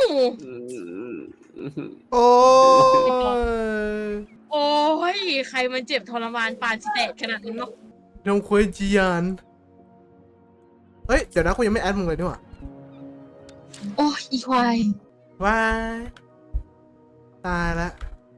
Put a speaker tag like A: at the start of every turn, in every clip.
A: โอ้ย
B: โอ้ยใครมันเจ็บทรมานปานสิแตกขนาดนั้นเนาะ
A: น้องคุยจียานเฮ้ยเดี๋ยวนะกูยังไม่แอดมึงเลยนี่หว่า
B: โอ้ยอีควาย
A: ว้ายตายละ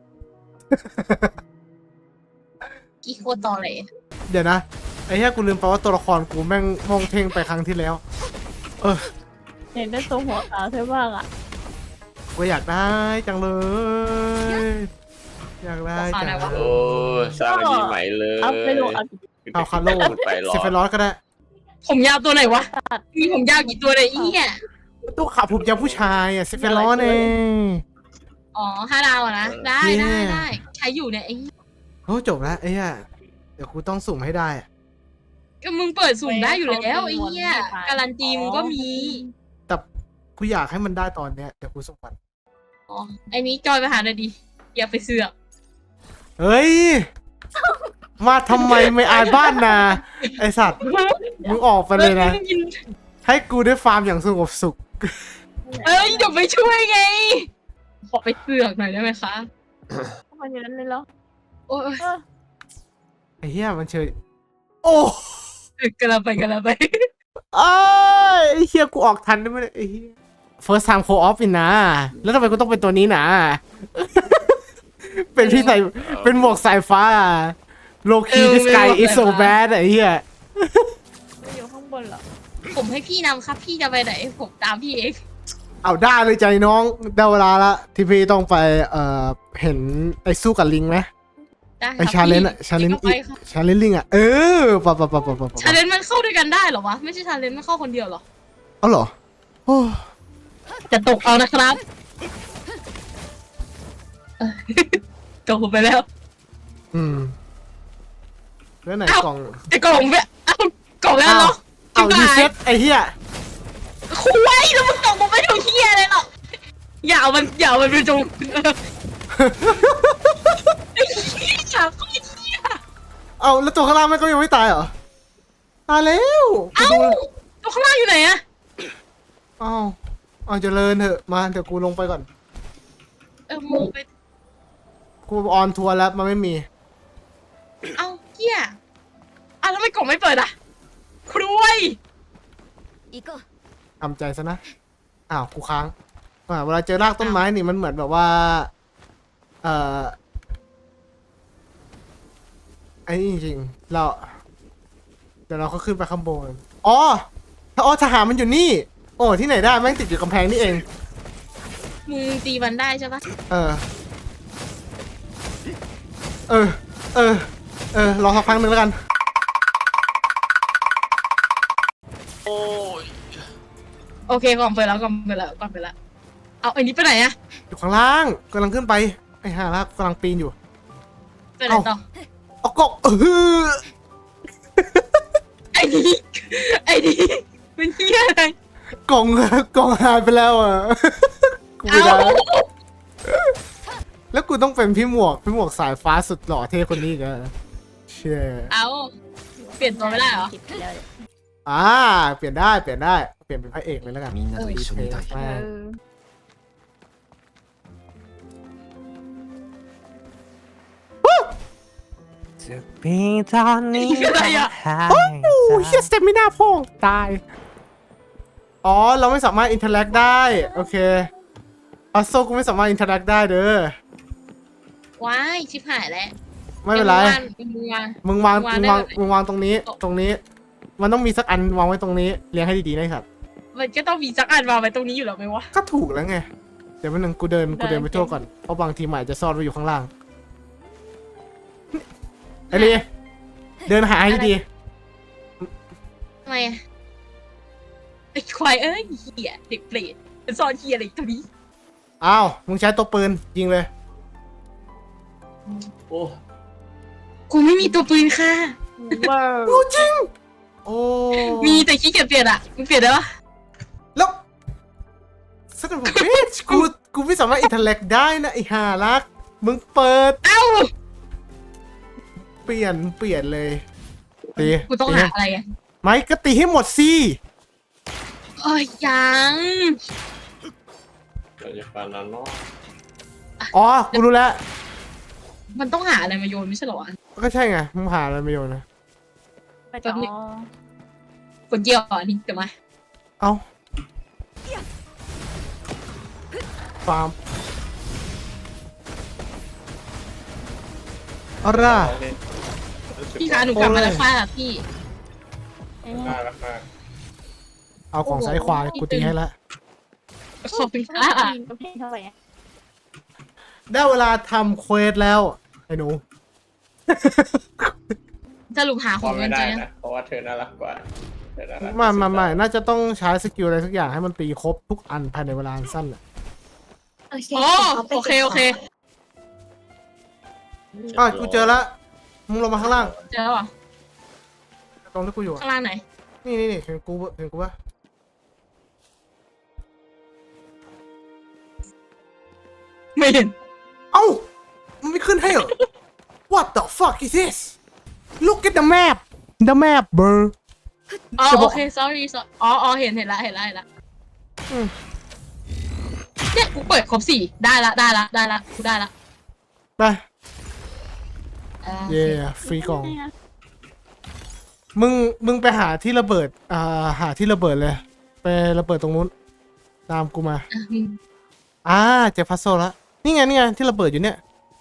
B: อีโคตรตอเลย
A: เดี๋ยวนะไอ้เหี้ยกูลืมไปว่าตัวละครกูแม่งมองเท่งไปครั้งที่แล้ว
C: เห็นได้ตัวหัวขาวใช่บ้างอ่ะ
A: กูอยากได้จังเลย อยากได้จังเลย
D: โอ้สร้างอะไรใหม่เลย
C: อัพไม่ลงอัพ
A: เอาคาร์โล
D: ไปหรอ
A: ซิฟเฟรอสก็ได้
B: ผมยาวตัวไหนวะมีผมยาวกี่ตัวเลยอีเนี่ย
A: ตู้ขับผมยาวผู้ชายอ่ะซิฟเฟรอสเอง
B: อ๋อ5 ดาวอะนะได้ได้ใช้อยู่เนี่ยไอ้
A: โอ้จบแล้วไอ้เหี้ยเดี๋ยวกูต้องสุ่มให้ได้อะ
B: ก็มึงเปิดสุ่มได้อยู่แล้วไอ้เนี่ยการันตีมึงก็มี
A: แต่กูอยากให้มันได้ตอนเนี้ยเดี๋ยวกูสุ่มมัน
B: อ๋อไอ้นี้จอยไปหาหน่อยดิอย่าไปเสือก
A: เฮ้ย มาทำไมไม่อายบ้านนาไอสัตว์มึงออกไปเลยนะ ให้กูได้ฟาร์มอย่างสงบสุข
B: เอ้ยเดี๋ยวไปช่วยไงขอไปเสือกหน่อยได้ไหมคะ
C: ทำไมอย่างนั้นเลยเหรอ
B: โอ้ย
A: ไอ้เหี้ยมันเชยโอ้
B: กระไป
A: ไอ้ไอ้เหี้ยกูออกทันได้ไหมเนี่ยไอ้เหี้ย first time co op อีกนะแล้วทำไมกูต้องเป็นตัวนี้นะ เป็นพี่ใส่เป็นหมวกสายฟ้าโลคีดิสกายอิโซแบดไอ้เหี้ย
C: ไม่อยู่ข้างบนเหรอ
B: ผมให้พี่นำครับพี่จะไปไหนผมตามพี่เอง
A: เอาได้เลยใจน้องได้เวลาละที่พี่ต้องไปเห็นไอ้สู้กับลิงไหม
B: ได้
A: ไอ้ชาเลนจ์อะชาเลนจ์ชาเลนจ์ลิงอะปะ
B: ชาเลนจ์มันเข้าด้วยกันได้เหรอวะไม่ใช่ชาเลนจ์มันเข้าคนเดียวเหรอ
A: เอาเหรอโอ้
B: จะตกเอานะครับตกไปแล้ว
A: แล้วไหน
B: เอ้าก
A: ล่อง
B: ไอ้กล่องเนี่ยเอ้ากล่องแล้วเนาะ
A: เอารีเซ็ตไอ้เหี้ย
B: คุยแล้วมึงตกลงไปถึงเฮียเลยหรอกอย่าเอามันไปจงไอ้เฮียโคตรเฮีย
A: เอาแล้วตัวข้างล่างมันก็ยังไม่ตายเหรอตายแล้วไป
B: เอ้า
A: ดู
B: ตัวข้างล่างอยู่ไหนอะ
A: เอาเจริญเถอะมาเดี๋ยวกูลงไปก่อน
B: มึงไป
A: กูออนทัวร์แล้วมันไม่มี
B: เอ้าเฮียแล้วไม่กล่องไม่เปิดอะครวย
A: ทำใจซะนะอ้าวกูค้างเวลาเจอรากต้นไม้นี่มันเหมือนแบบว่าไอ้นี่จริงๆเดี๋ยวเราก็ขึ้นไปข้างบนทหารมันอยู่นี่โอ้ที่ไหนได้แม่งติดอยู่กำแพงนี่เอง
B: มึงตีมันได้ใช่ปะ
A: รอสักพักหนึ่งแล้วกัน
D: โอ้ย
B: โอเคกล่องเปิดแล้วเอาไอ้นี้ไปไหนอะ
A: อยู่ข้างล่างกำลังขึ้นไปไอ้ห่าลากกำลังปีนอยู่
B: ไปไหนต่อ
A: เอาก็
B: ไอ้นี่มันเฮียอะไร
A: กล่องหายไปแล้วอ่ะ กูไม่
B: เอา
A: ได้แล้วกูต้องเป็นพี่หมวกสายฟ้าสุดหล่อเท่คนนี้อีกันเชี่ย
B: เอาเปลี่ยนตัวไม่ได้เหรอ
C: คิดไปแล้วเนี่ย
A: เปลี่ยนได้เปลี่ยนเป็นพระเอกเลยแล้วกัน
E: みんなと一緒にいたい
A: แม่ง
E: จะมีตอนนี้
B: อะไรอะ
A: โอ้เฮียสเตมิน่าพ่องตายเราไม่สามารถอินเทอร์แลกได้โอเคโซกูไม่สามารถอินเทอร์แลกได้เด้อ
B: ว้ายชิบหายแล้ว
A: ไม่เป็นไร
B: มึงวาง
A: มึงวางตรงนี้ มันต้องมีสักอันวางไว้ตรงนี้เรียงให้ดีๆนะครับ
B: มันก็ต้องมีสักอันวางไว้ตรงนี้อยู่แล้วไหมวะ
A: ก็ถูกแล้วไงเดี๋ยววันหนึ่งกูเดินไปทั่วก่อนเพราะบางทีหมายจะซ่อนไว้อยู่ข้างล่างไอ้ลีเดินหาให้ดี
B: ทำไมอะไอ้ควายเอ้ยเหี้ยเด็กเปรตมันซ่อนเหี้ยอะไรตรงนี้
A: อ้าวมึงใช้ตัวปืนยิงเลย
D: โอ้
B: กูไม่มีตัวปืนค่ะ
C: ว้าว
A: รู้จริงโอ้
B: มีแต่ขี้เกียจเปลี่ยนอะมึงเปลี่ยนได้ปะ
A: แล้วสักหน่อยเบสกูไม่สามารถอินเทอร์แลกได้นะไอ้ห่ารักมึงเปิด
B: เอ้า
A: เปลี่ยนเลยตี
B: กูต้องหาอะไรอะ
A: ไม่ก็ตีให้หมดสิ
B: ยัง
D: เราจะฟันนอน
A: อ๋อ กูรู้แล้ว
B: มันต้องหาอะไรมาโยนไม่ใช่เหรอวะ
A: ก็ใช่ไง มึงหาอะไรมาโยนนะ
C: ไปต่อ
B: กดเกี่ยวอันนี้เดี๋ยวมา
A: เอ้า ฟาร์มเอาล่ะ
B: พี่คะหนูกลับมาแล้วค่ะพี่
C: เอ๊ะ
D: ค่าราคา
A: เอาของซ้ายขวากูตีให้แล้ว
B: ขอบคุณ
C: ถ้า
B: ค่ะ
C: กินก็เพลงเท่าไหร่อะ
A: ได้เวลาทำเควสแล้ว ไอ้หนู
B: สรุปหาข
D: พ
B: อ
D: อง ไม่
B: เงิน
D: ได้
B: เจอ
D: นะเพราะว่าเธอน่ารักกว่าเธอน่ารัก
A: ไม่น่าจะต้องใช้สกิลอะไรสักอย่างให้มันตีครบทุกอันภายในเวลาอันสั้นอ่ะ
B: โอเคโอเค
A: อ่ะกูเจอแล้ว มึงลงมาข้างล่าง
B: เจอแล้วเหรอ
A: ตรงที่กูอยู่อะ
B: ข้างล่างไหน
A: นี่เห็นกูปะ
B: ไม่เห็น
A: เอ้า มันไม่ขึ้นให้เหรอ What the fuck is this Look at the map The map bro
B: อ๋อ
A: จะบ
B: โอ
A: อก
B: เค sorry อ๋อเห็นละ
A: อืม
B: เนี่ยกูเปิดครบ4ได้ละกูได้ละ
A: ไป เย่ฟรีกล่อง มึงไปหาที่ระเบิด หาที่ระเบิดเลย ไประเบิดตรงนู้น ตามกูมา เจอพัซโซลแล้ว นี่ไงที่ระเบิดอยู่เนี่ย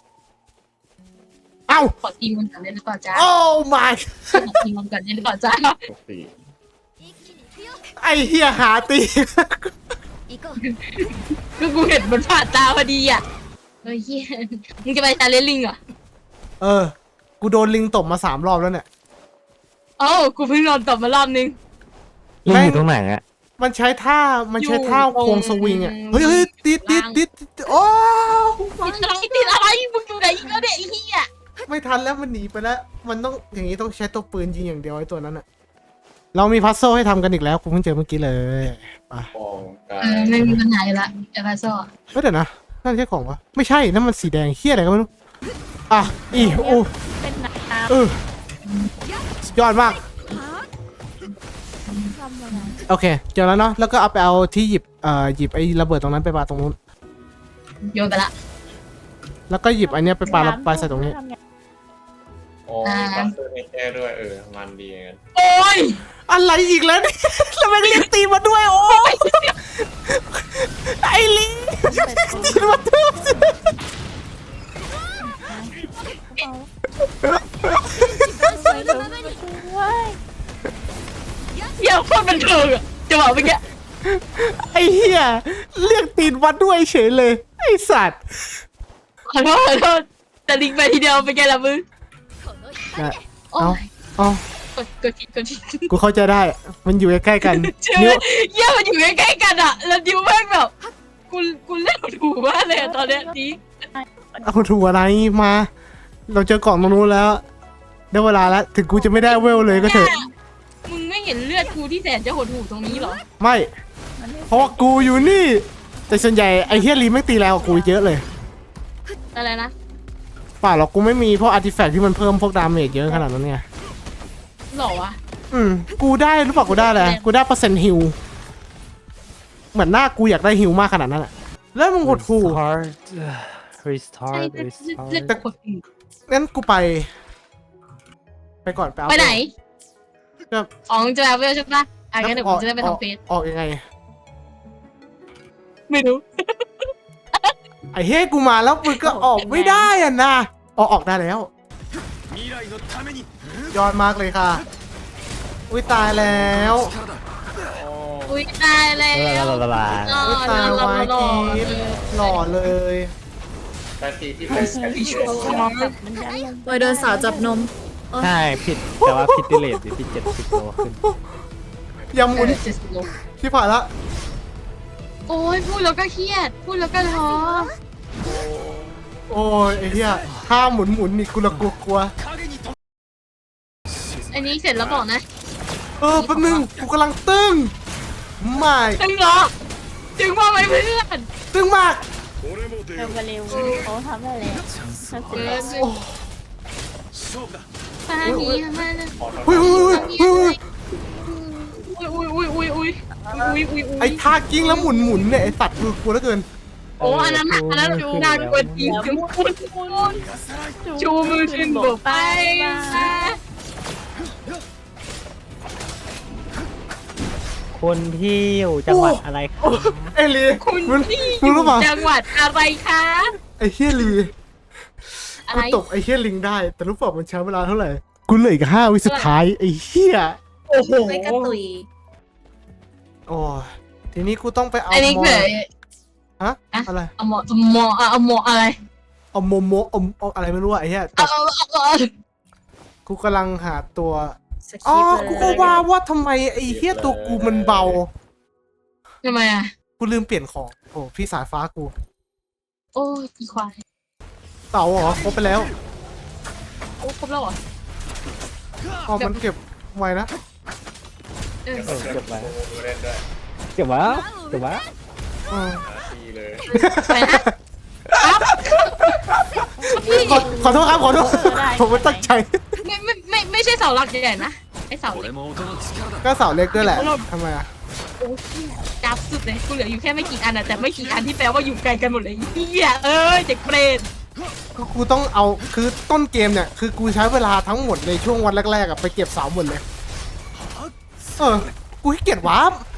A: เอ้า
B: ขอตีมันก่อนได้หรือเปล่าจ๊ะ
A: โอ้ my
B: ขอตีมันก่อนได้หรือเปล่าจ๊ะ
D: สี่
A: ไอ้เฮียหาตี
B: ก็กูเห็นมันผ่านตาพอดีอ่ะเฮ้ยเฮียมึงจะไปชาเลนจ์ลิงเหรอ
A: กูโดนลิงตบมา3 รอบแล้วเนี่ย
B: เอ้ากูเพิ่งนอนตบมารอบนึง
E: ลิงอยู่ตรงไหนอะ
A: มันใช้ท่า
B: อยู่ตรง
A: ควงสวิงอ่ะ เฮ้ยติดโอ้
B: ติดอะไรมึงอยู่ไหนอีกแล้วเนี่ยไอ้เหี้ย
A: ไม่ทันแล้วมันหนีไปแล้ว มันต้องอย่างนี้ต้องใช้ตัวปืนยิงอย่างเดียวไอ้ตัวนั้นอ่ะ เรามีพัซโซให้ทำกันอีกแล้วกูเพิ่งเจอเมื่อกี้เลยไป
D: ฟองกา
B: ไม่มีปัญหาอยู่ละเอฟาโซ่
A: เฮ้ยเดี๋ยวนะนั่นใช่ของวะไม่ใช่นั่นมันสีแดงเฮี้ยอะไรก็ไม่รู้อ่ะโอ้
C: เป็นหนักน้
A: สุดยอดมาก
C: ำทำมาไง
A: โอเคเจอแล้วเนาะแล้วก็เอาไปเอาที่หยิบไอ้ระเบิดตรงนั้นไปปาตรงนู้น
B: โยนไปละ
A: แล้วก็หยิบอันเนี้ยไปปาแล้วปาใส่ตรงนี้
C: ทำไง
D: โอ้มีบัสเตอร์ให้แก้ด้วยมันดีงั้น
B: โอ้ย
A: อะไรอีกแล้วเนี่ย แล้วแม่งเรียกตีมาด้วยโอ้ยไอ้ลิงตีมาทุบ
C: ไปเลยเว้ย
B: เหี้ยโคตรบันเทิงอะจะบอกเมื่อกี้
A: ไอ้เหี้ยเรียกตีนวัดด้วยเฉยเลยไอ้สัตว์
B: ขอโทษแต่ลิงไปทีเดียวเป็นไงล่ะมึง
A: นะ
B: โอ้
A: เอา
B: ย
A: เอา
B: กดผิด
A: กูเข้าใจได้ มันอยู่ใกล้ๆกัน
B: เชื่อ
A: นิ้ว
B: เหี้ยมันอยู่ใกล้ๆกันอะแล้วดิวแม่งแบบกูเล่นถูกมากเลยอะตอนเนี้ยดี
A: เอาถูกอะไรมา เราเจอกล่องตรงนู้นแล้วได้เวลาแล้วถึงกูจะไม่ได้เวลเลยก็เถอะ
B: มึงไม่เห็นเลือดกูที่แสนจะหดหู่ตรงนี้เหรอ
A: ไม่ เพราะว่ากูอยู่นี่ แต่ส่วนใหญ่ไอ้เฮียลีไม่ตีแรงกว่ากูเยอะเลย
B: อะไรนะ
A: เปล่าหรอกกูไม่มีพวกอาร์ติแฟกต์ที่มันเพิ่มพวกดาเมจเยอะขนาดนั้นไง
B: หรอวะ
A: กูได้รู้ป่ะกูได้อะไรกูได้เปอร์เซ็นต์ฮิลเหมือนหน้ากูอยากได้ฮิลมากขนาดนั้นอะแล้วมึงหดหู่
E: Restart
B: ใช่
E: Restart
B: เลือดกูหดหู่
A: งั้นกูไปก่อนไปเอา
B: ไปไหน
A: ก็
B: อ๋อมึงจะแบบเวลใช่ปะอ่ะงั้นเดี๋ยวผมจะได้ไปทำเฟซ
A: ออกยังไง
B: ไม่รู้
A: ไอ้เฮ้ยกูมาแล้วมึงก็ออกไม่ได้อ่ะนะออกได้แล้วยอดมากเลยค่ะ อุ้ยตายแล้ว
B: อุ้ยตายแล้ว
A: อุ้ยตายไว้กีดหล่อเลย
D: ตาทีที่เป็นกันที่
C: มันยันลง
F: โดยโดนสาวจับนม
E: ใช่ผิดแต่ว่าผิดดิเลตอยู่ที่70 โลขึ้น
A: อย่าหมุน
B: 70 โล
A: ที่ผ่านละ
B: โอ้ยพูดแล้วก็เครียด พูดแล้วก็ท้อ
A: โอ้ยไอ้เหี้ยถ้าหมุนนี่กูละกลัว
B: อันนี้เสร็จแล้วบอกนะ
A: แป๊บนึงกูกำลังตึงไม่
B: ตึงเหรอตึงมาไหมเพื่อน
A: ตึงมาก
C: เร็วไปเร็วเขาทำได้แล้วทำเสร็จแล้ว
A: โอ้
B: ปานี้มา
A: เฮ้ย
B: อุ้ยอุ้ย
A: ไอ้ท่ากิ้งแล้วหมุนเนี่ยไอ้สัตว์กูกลัวเหลือเกิน
B: โอ้อันนั้นนานกว่าจริงชูมือขึ้นบกไปมา
E: คนที่อยู่จังหวัดอะไรครับ
A: ไอ้ลี
B: คุณ
A: มึง
B: ที่อ
A: มึง
B: ยู่
A: รู้เปล่า
B: จังหวัดอะไรคะ
A: ไอ้เฮียลี
B: อะ
A: กู
B: ไร
A: ตกไอ้เฮียลิงได้ แต่รู้เปล่ามันใช้เวลาเท่าไหร่กูเหลืออีก5 วิสุดท้ายไอ้เฮีย
B: โอ้โห
C: ไม่กระตุย
A: โอ้ยทีนี้กูต้องไปเอา
B: อันนี้
A: มอ
B: คือ
A: ฮะอะไร
B: เอาหมออะไร
A: เอาโมโมเอาอะไรไม่รู้อะไอ้เหี้ยแต่
B: เอา
A: กูกำลังหาตัว
C: สค
A: อ๋อ
C: ริปต์
A: กู
C: เล
A: ก็
C: ย
A: ว่าทำไมไอ้เหี้ยตัวกูมันเบา
B: ทำไมอ่ะ
A: กูลืมเปลี่ยนของโอ้พี่สายฟ้ากู
B: โอ้ยอีควาย
A: เต่าเหรอครบไปแล้ว
B: โอ้ครบแล้วเหรอ
A: อ๋อมันเก็บไว้นะ
B: เออ
E: เก็บไว้
D: ดูเล่นด้วย
E: เก็บไว้เก็บไว้
A: อืม
D: ดีเลย
B: ไปนะ
A: ขอโทษครับขอโทษผมไม่ตั้งใจ
B: ไม่ใช่เสาหลักใหญ่นะไอเสาเล็ก
A: ก็เสาเล็กด้วยแหละทำไมอะ
B: โอ้ยจับสุดเลยกูเหลืออยู่แค่ไม่กี่อันอะแต่ไม่กี่อันที่แปลว่าอยู่ไกลกันหมดเลยเฮียเอ้ยเด็กเปรต
A: ก็กูต้องเอาคือต้นเกมเนี่ยคือกูใช้เวลาทั้งหมดในช่วงวันแรกๆอะไปเก็บเสาหมดเลยกูขี้เกียจวาร์ป